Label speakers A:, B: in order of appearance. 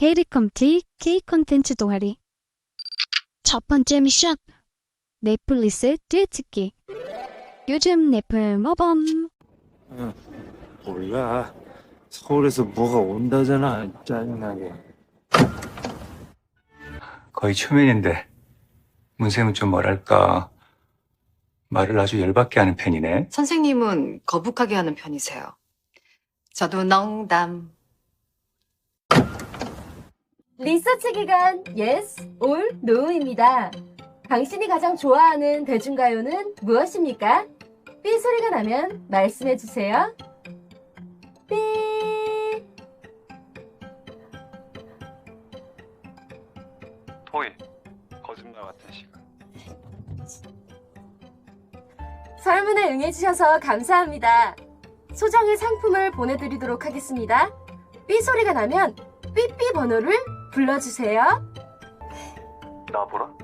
A: 헤이리컴티 K 콘텐츠 동아리. 첫 번째 미션. 넷플릭스 뒤집기. 요즘 넷플 모범.
B: 몰라. 서울에서 뭐가 온다잖아. 짜증나게.
C: 거의 초면인데 문쌤은 좀 뭐랄까 말을 아주 열받게 하는 편이네.
D: 선생님은 거북하게 하는 편이세요. 저도 농담.
E: 리서치 기간 Yes or No입니다. 당신이 가장 좋아하는 대중가요는 무엇입니까? 삐 소리가 나면 말씀해 주세요. 삐.
C: 토이 거짓말 같은 시간.
E: 설문에 응해주셔서 감사합니다. 소정의 상품을 보내드리도록 하겠습니다. 삐 소리가 나면 삐삐 번호를 불러주세요.
C: 나 보라?